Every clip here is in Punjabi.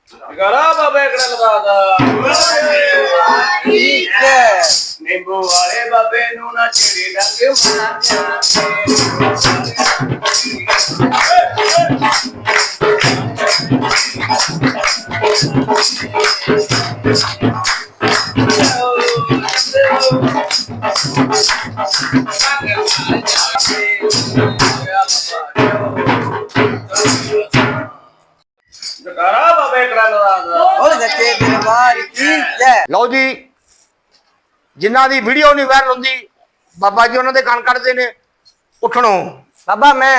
करा बाबे कड़ा लगा ठीक है नींबू वाले बाबे नू ना छेड़ी डंग करा बाबे कड़ा लगा बोल सच्चे दरबार की जय। ਲਓ ਜੀ ਜਿਨ੍ਹਾਂ ਦੀ ਵੀਡੀਓ ਨਹੀਂ ਵਾਇਰਲ ਹੁੰਦੀ ਬਾਬਾ ਜੀ ਉਹਨਾਂ ਦੇ ਕੰਨ ਕੱਢਦੇ ਨੇ ਉੱਠਣੋ। बाबा मैं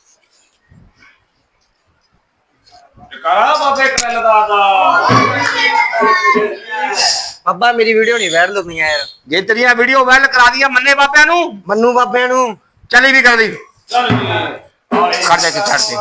करा बाबे कड़ा लगा बाबा मेरी वीडियो नहीं वायरल होनी है यार। ਜੇ ਤੇਰੀਆਂ ਵੀਡੀਓ ਵਾਇਰਲ ਕਰਾ ਦੀਆਂ ਮੰਨੇ ਬਾਬਿਆਂ ਨੂੰ मन्नू बाबे नु ਚਲੀ ਵੀ ਕਰਦੀ चल ਖੜ ਜਾ ਕੇ ਛੱਡ ਦੇ।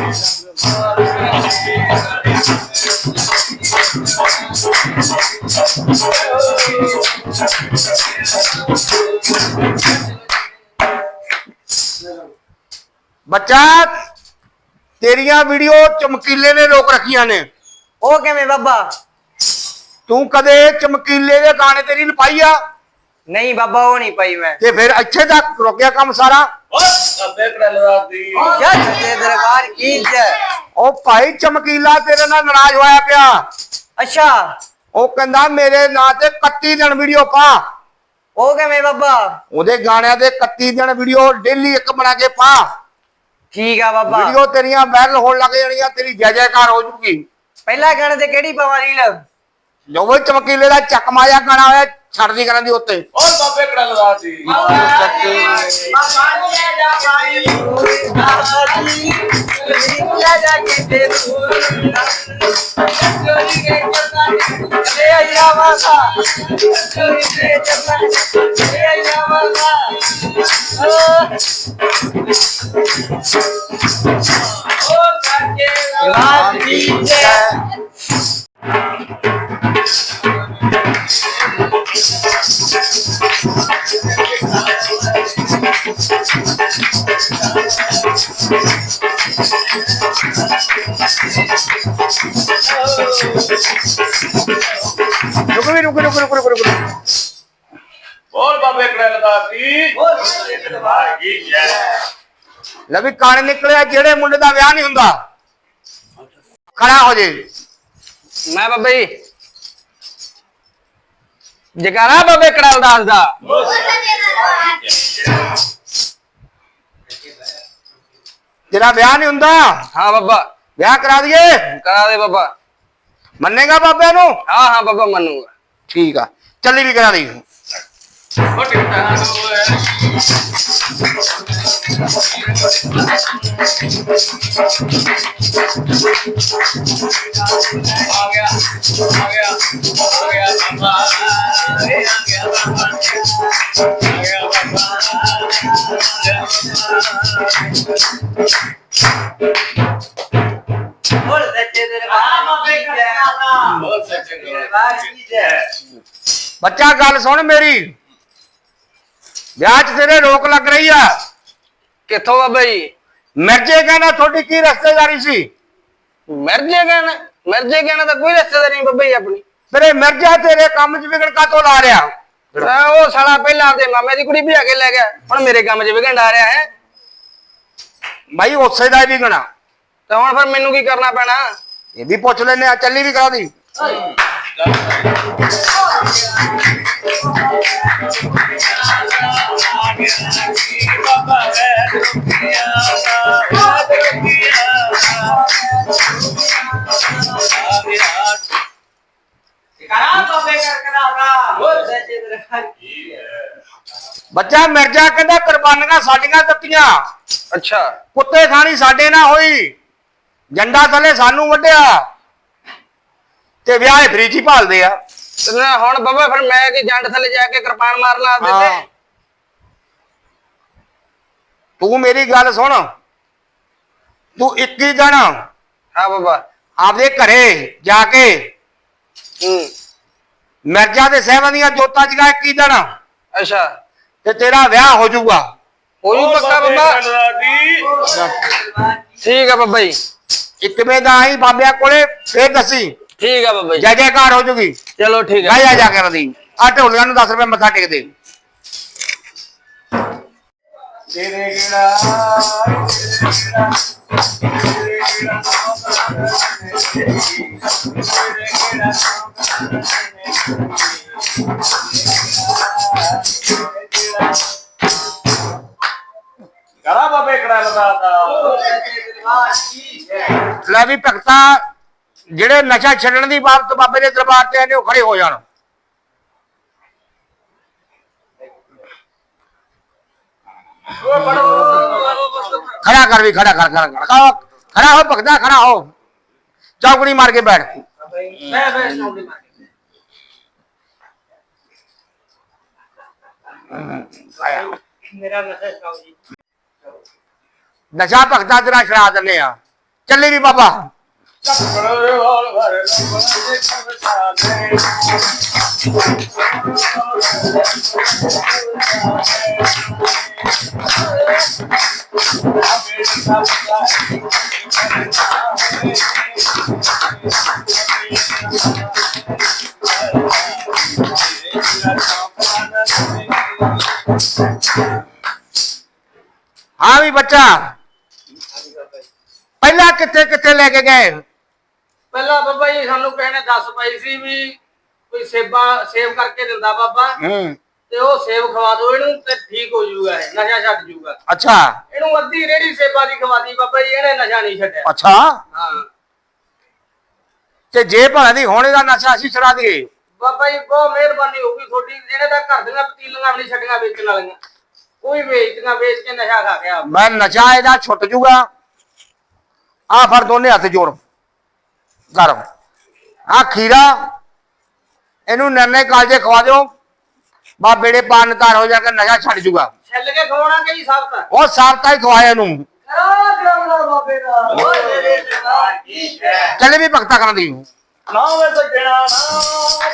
ਬੱਚਾ ਤੇਰੀਆਂ ਵੀਡੀਓ ਚਮਕੀਲੇ ਨੇ ਲੋਕ ਰੱਖੀਆਂ ਨੇ। ओ किवें बाबा? ਤੂੰ ਕਦੇ ਚਮਕੀਲੇ ਦੇ ਗਾਣੇ ਤੇਰੀ ਲਪਾਈ ਆ नहीं बाबा वो नहीं पाई मैं। ਤੇ ਫਿਰ ਇੱਥੇ ਤੱਕ ਰੁਕਿਆ ਕੰਮ ਸਾਰਾ। बाबे कड़ा लगा दी क्या सच्चे दरबार की जय। ਉਹ ਭਾਈ ਚਮਕੀਲਾ ਤੇਰੇ ਨਾਲ ਨਾਰਾਜ਼ ਹੋਇਆ ਪਿਆ। अच्छा ਉਹ ਕਹਿੰਦਾ ਮੇਰੇ ਨਾਂ ਤੇ 31 ਦਿਨ ਵੀਡੀਓ ਪਾ। ओ किवें बाबा? ਉਹਦੇ ਗਾਣਿਆਂ ਦੇ 31 ਦਿਨ ਵੀਡੀਓ ਡੇਲੀ ਇੱਕ ਬਣਾ ਕੇ ਪਾ। ठीक है बाबा। ਵੀਡੀਓ ਤੇਰੀਆਂ ਵਾਇਰਲ ਹੋਣ ਲੱਗ ਜਾਣੀਆਂ ਤੇਰੀ ਜੈ ਜੈਕਾਰ ਹੋ ਜੂਗੀ। पहला गाने ते केड़ी पावा रील? ਜੋ ਵੀ ਚਮਕੀਲੇ ਦਾ ਚੱਕ ਮਾਇਆ ਗਾਣਾ ਹੋਇਆ ਛੱਡਦੀ ਕਰਨ ਦੀ ਉੱਤੇ। और बाबे कड़ा लगा दी ਰੁਕ ਵੀ ਰੁਕ ਰੁਕ ਰੁਕ ਰੁਕ ਰੁਕ। और बाबे कड़ा लगा दी दरबार की जय ਲੈ ਵੀ ਕਾਣੇ ਨਿਕਲਿਆ ਜਿਹੜੇ ਮੁੰਡੇ ਦਾ ਵਿਆਹ ਨਹੀਂ ਹੁੰਦਾ ਖੜਾ ਹੋ ਜੇ। मैं बाबा जी जगारा बाबे कड़ाल दास दा। ਤੇਰਾ ਵਿਆਹ ਨਹੀਂ ਹੁੰਦਾ हाँ बाबा ਵਿਆਹ ਕਰਾ ਦਈਏ करा दे बाबा। ਮੰਨੇਗਾ ਬਾਬਿਆਂ ਨੂੰ? हाँ हाँ बाबा मनूंगा। ਠੀਕ ਆ ਚੱਲੀ ਵੀ ਕਰਾ ਦੀ। बोल सच्चे दरबार की जय। ਬੱਚਾ ਗੱਲ ਸੁਣ ਮੇਰੀ ਵਿਆਹ 'ਚ ਤੇਰੇ ਰੋਕ ਲੱਗ ਰਹੀ ਆ। किथों बाबा जी? ਮਿਰਜੇ ਕਹਿੰਦਾ ਤੁਹਾਡੀ ਕੀ ਰਿਸ਼ਤੇਦਾਰੀ ਸੀ? मिर्जे कहना तो कोई रिश्तेदारी नहीं बाबा जी अपनी। ਤੇਰੇ ਮਿਰਜਾ ਤੇਰੇ ਕੰਮ 'ਚ ਵਿਗੜ ਕਾਤੋਂ ਲਾ ਰਿਹਾ? वो साला पहला ते मामे दी कुड़ी भी आके ले गया हुण मेरे काम च विघन आ रहा है। ਭਾਈ ਉਸੇ ਦਾ ਹੀ ਵਿਗਣਾ तो हुण फिर मैनू की करना पैना? ਇਹ ਵੀ ਪੁੱਛ ਲੈਨੇ ਆ ਚੱਲੀ ਵੀ ਕਰਾ ਦੀ। ਬੱਚਾ ਮਿਰਜਾ ਕਹਿੰਦਾ ਕੁਰਬਾਨੀਆਂ ਸਾਡੀਆਂ ਦਿੱਤੀਆਂ अच्छा ਕੁੱਤੇ ਖਾਣੀ ਸਾਡੇ ਨਾਲ ਹੋਈ ਜੰਡਾ ਥੱਲੇ ਸਾਨੂੰ ਵੱਢਿਆ ਤੇ ਵਿਆਹ ਫਰੀ ਚ ਹੀ ਭਾਲਦੇ ਆ। हुण बाबा फिर मैं की जंड थले जाके कृपान मारना ਹਾਂ। देते। ਤੂੰ ਮੇਰੀ ਗੱਲ ਸੁਣ ਤੂੰ 21 ਦਿਨ हाँ बाबा। ਆਪਦੇ ਘਰੇ ਜਾ ਕੇ ਮਿਰਜ਼ਾ ਦੇ ਸਹਿਬਾਂ ਦੀਆਂ ਜੋਤਾਂ ਜਗਾ 21 ਦਿਨ अच्छा ਤੇ ਤੇਰਾ ਵਿਆਹ ਹੋ ਜਾਊਗਾ। हो जू पक्का बाबा? ठीक है बाबा जी। 1 ਵਜੇ ਦਾ ਆਈ ਬਾਬਿਆਂ ਕੋਲੇ ਫੇਰ ਦੱਸੀ ਠੀਕ ਆ ਬਾਬਾ ਜੀ ਜੈ ਜੈਕਾਰ ਹੋ ਜੂਗੀ। ਚਲੋ ਠੀਕ ਜਾ ਆ ਜਾ ਕੇ ਰਦੀ ਆ ਢੋਲੀਆਂ ਨੂੰ 10 ਰੁਪਏ ਮੱਥਾ ਟੇਕ ਦੇ। ਤੇਰੇ ਕਿਹੜਾ ਕਰਾ ਬਾਬੇ ਕਿਹੜਾ ਲਦਾ ਲੈ ਵੀ ਭਗਤਾ ਜਿਹੜੇ ਨਸ਼ਾ ਛੱਡਣ ਦੀ ਬਾਬਤ ਬਾਬੇ ਦੇ ਦਰਬਾਰ ਤੇ ਆਏ ਨੇ ਉਹ ਖੜੇ ਹੋ ਜਾਣ। खड़ा कर भी खड़ा कर खड़ा हो भगता खड़ा हो चौकड़ी मार के बैठ। नशा भगता तेरा छड़ा दिने आ चले भी बाबा। हाँ भी बच्चा पहला कितने कितने लेके गए? ਪਹਿਲਾਂ ਬਾਬਾ ਜੀ ਸਾਨੂੰ ਕਹਿਣੇ ਦੱਸ ਪਈ ਸੀ ਵੀ ਕੋਈ ਸੇਵ ਕਰਕੇ ਦਿੰਦਾ ਬਾਬਾ ਤੇ ਉਹ ਸੇਵ ਖਵਾ ਦਿਓ ਇਹਨੂੰ ਤੇ ਠੀਕ ਹੋ ਜਾਊਗਾ ਇਹ ਨਸ਼ਾ ਛੱਡ ਜਾਊਗਾ। अच्छा ਇਹਨੂੰ ਅੱਧੀ ਰੇੜੀ ਸੇਵਾ ਦੀ ਖਵਾਦੀ ਬਾਬਾ ਜੀ ਇਹਨੇ ਨਸ਼ਾ ਨਹੀਂ ਛੱਡਿਆ। अच्छा ਹਾਂ ਤੇ ਜੇ ਭਲਾ ਦੀ ਹੋਣੇ ਦਾ ਨਸ਼ਾ ਅਸੀਂ ਛੜਾ ਦਈਏ ਬਾਬਾ ਜੀ ਬਹੁਤ ਮਿਹਰਬਾਨੀ ਹੋਊਗੀ ਤੁਹਾਡੀ। ਜਿਹੜੇ ਤਾਂ ਘਰ ਦੀਆਂ ਪਤੀਲੀਆਂ ਵੀ ਨਹੀਂ ਛੱਡੀਆਂ ਵੇਚਣ ਵਾਲੀਆਂ ਕੋਈ ਵੇਚਦੀਆਂ ਵੇਚ ਕੇ ਨਸ਼ਾ ਖਾ ਗਿਆ। ਮੈਂ ਨਸ਼ਾ ਇਹਦਾ ਛੁੱਟ ਜੂਗਾ। ਆ ਫੜ ਦੋਨੇ ਹੱਥ ਜੋੜ ਕਰ ਆ ਖੀਰਾ ਇਹਨੂੰ ਨੰਨੇ ਕਾਲਜੇ ਖਵਾ ਦਿਓ ਬਾ ਬੇੜੇ ਪਾਨ ਤਾਰ ਹੋ ਜਾ ਕੇ ਨਸ਼ਾ ਛੱਡ ਜੂਗਾ। ਛੱਲ ਕੇ ਖਵਾਉਣਾ ਕਿ ਜੀ ਸਭ ਤਾਂ ਉਹ ਸਾਬਤਾ ਹੀ ਖਵਾਇਆ ਇਹਨੂੰ ਚੱਲੇ ਵੀ ਭਗਤਾ ਕਰਨ ਦੀ ਨਾ ਵੇ ਸੱਜਣਾ ਨਾ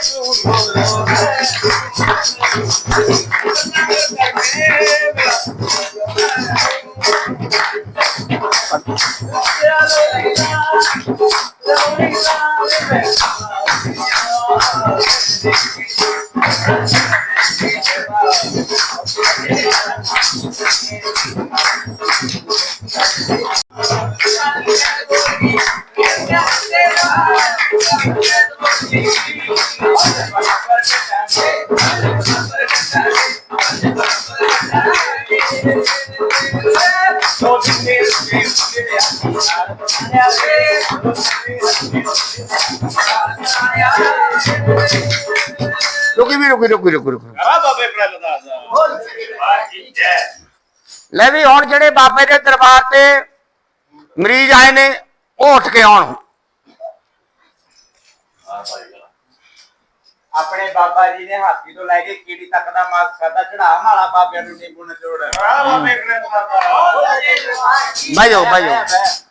रुकी ਕਰਾ ਬਾਬੇ ਕਿਹੜਾ ਲਦਾ ਲੈ ਵੀ ਹੁਣ ਜਿਹੜੇ ਬਾਬੇ ਦੇ ਦਰਬਾਰ ਤੇ ਮਰੀਜ਼ ਆਏ ਨੇ ਉਹ ਉੱਠ ਕੇ ਆਉਣ। ਆਪਣੇ ਬਾਬਾ ਜੀ ਨੇ ਹਾਥੀ ਤੋਂ ਲੈ ਕੇ ਕੀੜੀ ਤੱਕ ਦਾ ਮਾਸ ਖਾਦਾ ਚੜਾ ਮਾਲਾ ਬਾਬਿਆਂ ਨੂੰ ਨਿੰਬੂ ਨਚੋੜ। ਕਰਾ ਬਾਬੇ ਕਿਹੜਾ ਲਦਾ ਬਹਿ ਜਾਓ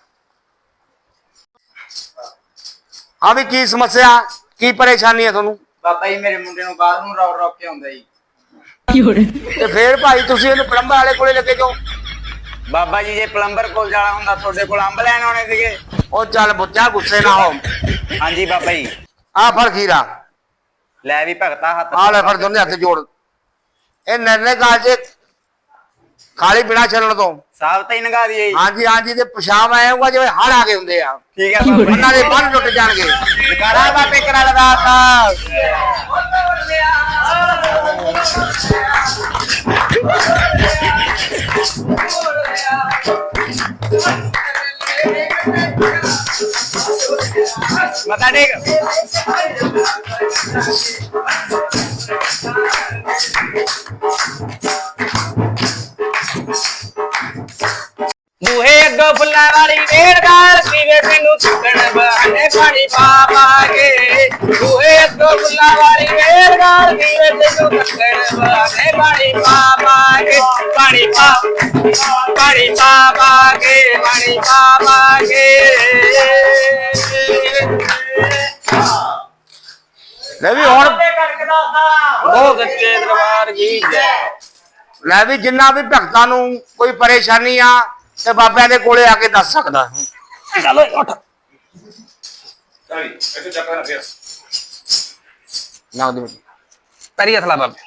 ਹਾਂ ਵੀ ਕੀ ਸਮੱਸਿਆ ਕੀ ਪਰੇਸ਼ਾਨੀ ਹੈ ਤੁਹਾਨੂੰ? ਬਾਬਾ ਜੀ ਮੇਰੇ ਮੁੰਡੇ ਨੂੰ ਬਾਹਰ ਨੂੰ ਰੋਕ ਕੇ ਆਉਂਦਾ ਜੀ। ਤੇ ਫੇਰ ਭਾਈ ਤੁਸੀਂ ਇਹਨੂੰ ਪਲੰਬਰ ਵਾਲੇ ਕੋਲੇ ਲੱਗੇ ਜਾਓ। ਬਾਬਾ ਜੀ ਜੇ ਪਲੰਬਰ ਕੋਲ ਜਾਣਾ ਹੁੰਦਾ ਤੁਹਾਡੇ ਕੋਲ ਅੰਬ ਲੈਣ ਆਉਣੇ ਸੀਗੇ। ਉਹ ਚੱਲ ਬੁੱਚਾ ਗੁੱਸੇ ਨਾ ਹੋ। ਹਾਂਜੀ ਬਾਬਾ ਜੀ ਆ ਫੜ ਖੀਰਾ ਲੈ ਵੀ ਭਗਤਾ ਹੱਥ ਆ ਲੈ ਫੜ ਦੋਨੇ ਹੱਥ ਜੋੜ। ਇਹ ਨਰਨੇ ਕਾਲਜੇ ਖਾਲੀ ਬਿਨਾ ਚੱਲਣ ਤੋਂ ਸਾਬ ਤਾਂ ਹੀ ਨਗਾ ਦਈਏ। ਹਾਂਜੀ ਤੇ ਪਿਸ਼ਾਬ ਆਏਗਾ ਜਿਵੇਂ ਹੜ ਆ ਗਏ ਹੁੰਦੇ ਆ। ਠੀਕ ਹੈ ਬਾਬਾ ਉਹਨਾਂ ਦੇ ਬੰਨ ਟੁੱਟ ਜਾਣਗੇ। ਕਰਾ ਬਾਬੇ ਕਰਾ ਲਗਾਤਾ। ਮਤਾ ਟੇਕ ਬੂਹੇ ਅੱਗੋਂ ਫੁੱਲਾਂ ਵਾਲੀ ਵੇੜਗਾਲ ਪੀਵੇ ਮੈਨੂੰ ਸੁੱਕਣ ਬਹਾਨੇ ਪਾਣੀ ਪਾ ਪਾ ਕੇ। ਬੂਹੇ ਅੱਗੋਂ ਫੁੱਲਾਂ ਵਾਲੀ ਵੇੜਗਾਲ ਪੀਵੇ ਮੈਨੂੰ ਸੁੱਕਣ ਬਹਾਨੇ ਪਾਣੀ ਪਾ ਪਾ ਕੇ। ਪਾਣੀ ਪਾ ਪਾ ਕੇ ਪਾਣੀ ਪਾ ਕੇ। ਲੈ ਵੀ ਹੁਣ ਉਹ ਸੱਚੇ ਦਰਬਾਰ ਕੀ ਜੈ। ਲੈ ਵੀ ਜਿੰਨਾ ਵੀ ਭਗਤਾਂ ਨੂੰ ਕੋਈ ਪਰੇਸ਼ਾਨੀ ਆ ਤੇ ਬਾਬਿਆਂ ਦੇ ਕੋਲੇ ਆ ਕੇ ਦੱਸ ਸਕਦਾ। ਚਲੋ ਉੱਠ ਚਲੀ ਇੱਥੇ ਚੱਕਰ ਨਾ ਫੇਰ ਨਾ ਦੇ ਪੈਰੀ ਹੱਥ ਲਾ ਬਾਬੇ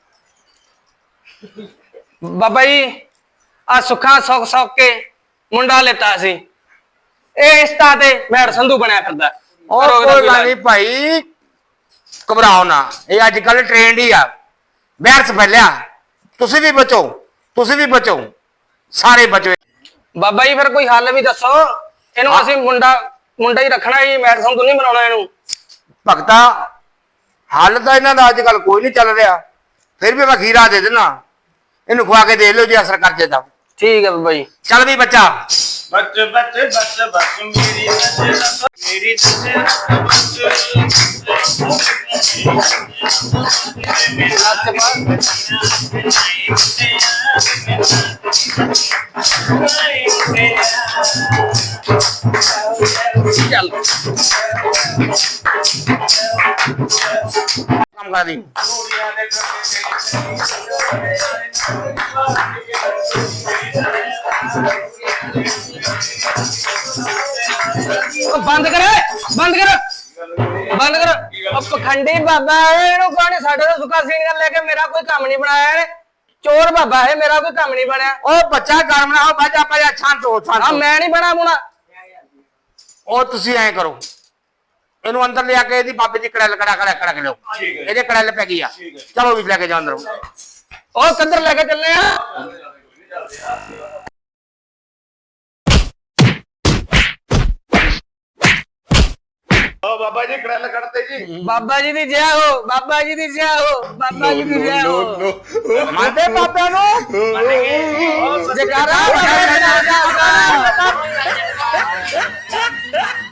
ਬਾਬਾ ਜੀ ਆ ਸੁੱਖਾਂ ਸੁੱਖ ਕੇ ਮੁੰਡਾ ਲੈਤਾ ਸੀ ਇਹ ਇਸਤਾ ਤੇ ਮੈੜ ਸੰਧੂ ਬਣਿਆ ਫਿਰਦਾ ਉਹ ਕਰੋ ਇਹਦਾ ਕੋਈ ਕੋਈ ਗੱਲ ਇਲਾਜ। ਨਹੀਂ ਭਾਈ ਘਬਰਾਓ ਨਾ ਇਹ ਅੱਜ ਕੱਲ ਟ੍ਰੈਂਡ ਹੀ ਆ ਬਹਿਰਸ ਫੈਲਿਆ ਤੁਸੀਂ ਵੀ ਬਚੋ ਸਾਰੇ ਬਚੋ ਬਾਬਾ ਜੀ ਫਿਰ ਕੋਈ ਹੱਲ ਵੀ ਦੱਸੋ ਇਹਨੂੰ ਹਾਂ। ਅਸੀਂ ਮੁੰਡਾ ਹੀ ਰੱਖਣਾ ਜੀ ਮੈੜ ਸੰਧੂ ਨਹੀਂ ਬਣਾਉਣਾ ਇਹਨੂੰ ਭਗਤਾ ਹੱਲ ਤਾਂ ਇਹਨਾਂ ਦਾ ਅੱਜ ਕੱਲ ਕੋਈ ਨਹੀਂ ਚੱਲ ਰਿਹਾ ਫਿਰ ਵੀ ਮੈਂ ਖੀਰਾ ਦੇ ਦੇਣਾ ਇਹਨੂੰ ਖਵਾ ਕੇ ਦੇ ਲਿਓ ਜੇ ਅਸਰ ਕਰ ਜੇ ਤਾਂ ਠੀਕ ਹੈ ਬਾਬਾ ਜੀ ਚੱਲ ਵੀ ਬੱਚਾ ਬੱਚ ਮੇਰੀ ਨਜ਼ਰ ਮੇਰੀ ਚੱਲ ਕੰਮ ਕਰ ਦੀ ਉਹ ਬੰਦ ਕਰ ਉਹ ਪਖੰਡੀ ਬਾਬਾ ਇਹਨੂੰ ਕਹਣੇ ਸਾਡੇ ਤੋਂ ਸੁੱਕਾ ਸੀਨੀਆਂ ਲੈ ਕੇ ਮੇਰਾ ਕੋਈ ਕੰਮ ਨਹੀਂ ਬਣਾਇਆ ਇਹਨੇ ਚੋਰ ਬਾਬਾ ਹੈ ਮੇਰਾ ਕੋਈ ਕੰਮ ਨਹੀਂ ਬਣਿਆ ਉਹ ਬੱਚਾ ਗਰਮ ਨਾ ਹੋ ਬਾਜਾ ਛਾਂਟ ਹੋ ਆ ਮੈਂ ਨਹੀਂ ਬਣਾ ਮੁਣਾ ਉਹ ਤੁਸੀਂ ਐਂ ਕਰੋ ਇਹਨੂੰ ਅੰਦਰ ਲਿਆ ਕੇ ਇਹਦੀ ਬਾਬੇ ਦੀ ਕੜੈਲ ਕੜਾ ਕੇ ਲਿਓ ਠੀਕ ਹੈ। ਇਹਦੇ ਕੜੈਲ ਪੈ ਗਈ ਆ ਠੀਕ ਹੈ। ਚਲੋ ਵੀ ਲੈ ਕੇ ਜਾਓ ਅੰਦਰ ਉਹ ਕਿੱਧਰ ਲੈ ਕੇ ਚੱਲੇ ਆ ਓ ਬਾਬਾ ਜੀ ਕੜਲ ਕੱਢਤੇ ਜੀ ਬਾਬਾ ਜੀ ਦੀ ਜੈ ਹੋ ਬਾਬਾ ਜੀ ਦੀ ਜੈ ਹੋ ਬਾਬਾ ਜੀ ਦੀ ਜੈ ਹੋ ਮੰਨਦੇ ਬਾਬਿਆਂ ਨੂੰ ਜੈਕਾਰਾ